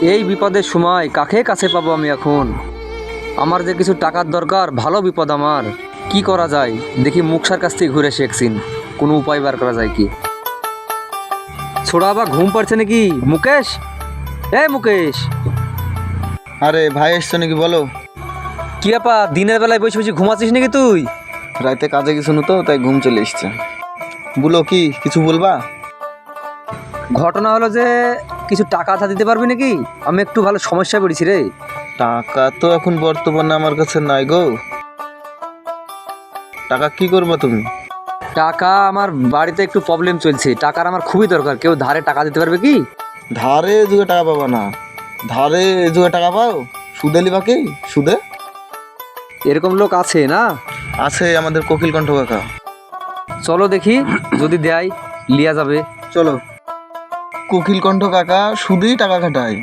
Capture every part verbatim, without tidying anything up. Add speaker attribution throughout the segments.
Speaker 1: এই বিপদের সময় কাকে কাছে পাবো আমি এখন? আমার যে কিছু টাকার দরকার, ভালো বিপদ আমার। কি করা যায় দেখি, মুখসার কাছ থেকে ঘুরে শেখছিন, কোনো উপায় বার করা যায় কি? ছোড়া বা ঘুম পাড়ছে নাকি? মুকেশ, এ মুকেশ।
Speaker 2: আরে ভাই এসছো নাকি বলো?
Speaker 1: কি আপা, দিনের বেলায় বসে বসে ঘুমাচ্ছিস নাকি তুই?
Speaker 2: রাতে কাজে কিছু নতো, তাই ঘুম চলে এসছে। বলো কি কিছু বলবা?
Speaker 1: ঘটনা হলো যে কিছু টাকা ধার দিতে পারবি নাকি? আমি একটু ভালো সমস্যায় পড়েছি রে।
Speaker 2: টাকা তো এখন বর্তমানে আমার কাছে নাই গো। টাকা কি করবা তুমি?
Speaker 1: টাকা আমার বাড়িতে একটু প্রবলেম চলছে, টাকার আমার খুবই দরকার। কেউ ধারে টাকা দিতে পারবে কি?
Speaker 2: ধারে যুগে টাকা পাবা না। ধারে যুগে টাকা পাও? সুদে লিবা কি? সুদে
Speaker 1: এরকম লোক আছে না?
Speaker 2: আছে আমাদের কোকিল কণ্ঠ কাকা।
Speaker 1: চলো দেখি, যদি দেয় লিয়া যাবে।
Speaker 2: চলো। কোকিল কণ্ঠ কাকা সুদেই টাকা খাটায়।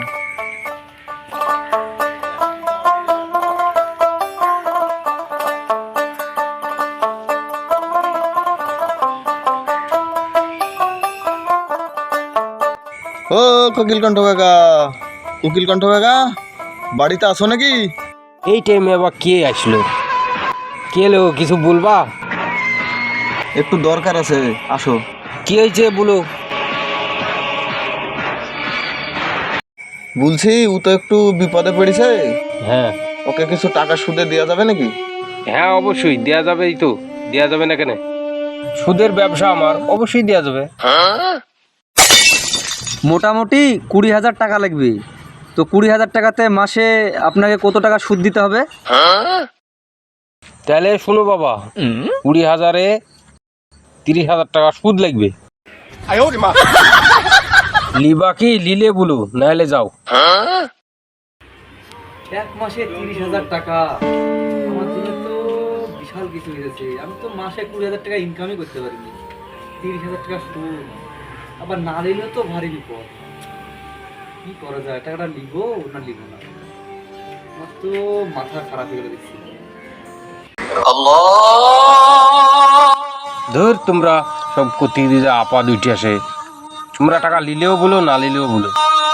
Speaker 2: ও কোকিল কণ্ঠ কাকা, কোকিল কণ্ঠ কাকা বাড়িতে আসো নাকি?
Speaker 3: এই টাইমে আবার কে আসলো? কে এলো, কিছু বলবা?
Speaker 2: একটু দরকার আছে, আসো।
Speaker 3: কি হয়েছে বলো।
Speaker 2: বলছি ও তো একটু বিপদে পড়েছে,
Speaker 3: হ্যাঁ
Speaker 2: ওকে কিছু টাকা সুদে দেওয়া যাবে নাকি?
Speaker 3: হ্যাঁ অবশ্যই দেয়া যাবে, এই তো দেয়া যাবে না কেন? সুদের ব্যবসা আমার, অবশ্যই দেয়া যাবে।
Speaker 1: মোটামুটি কুড়ি হাজার টাকা লাগবে। তো কুড়ি হাজার টাকাতে মাসে আপনাকে কত টাকা সুদ দিতে হবে?
Speaker 3: তাহলে শোনো বাবা, কুড়ি হাজারে তিরিশ হাজার টাকা সুদ লাগবে। লিবা কি লিলে বলো, নাহলে যাও।
Speaker 1: এক মাসে তিরিশ হাজার টাকা আমার জন্য তো বিশাল কিছু হয়ে যাচ্ছে। আমি তো মাসে কুড়ি হাজার টাকা ইনকামই করতে পারিনি, তিরিশ হাজার টাকা সুদ, আবার না নিলেও তো ভারী বিপদ। কি করা যায়, টাকাটা লিবো না লিবো না? আমার তো মাথা খারাপ হয়ে গেলে দেখছি।
Speaker 3: ধর তোমরা সব করতে দিয়ে আপা দুইটি আসে, তোমরা টাকা নিলেও বলো না নিলেও বলো।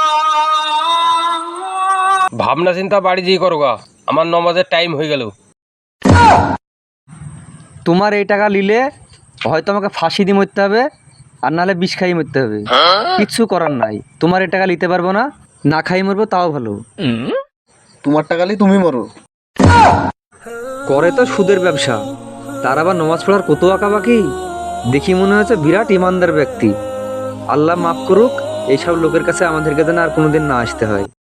Speaker 3: ভাবনা চিন্তা বাড়ি দিয়ে করো গা, আমার নমাজের টাইম হয়ে গেল।
Speaker 1: তোমার এই টাকা নিলে হয়তো আমাকে ফাঁসি দিয়ে মরতে হবে, আর নাহলে বিষ খাইয়ে মরতে হবে। কিচ্ছু করার নাই, তোমার এই টাকা নিতে পারবো না, না খাইয়ে মরবো তাও ভালো।
Speaker 2: তোমার টাকা নিয়ে তুমি মরো।
Speaker 1: করে তো সুদের ব্যবসা, তার আবার নমাজ পড়ার কত আঁকাবাকি। দেখি মনে হচ্ছে বিরাট ইমানদার ব্যক্তি। আল্লাহ মাফ করুক, এইসব লোকের কাছে আমাদেরকে যেন আর কোনোদিন না আসতে হয়।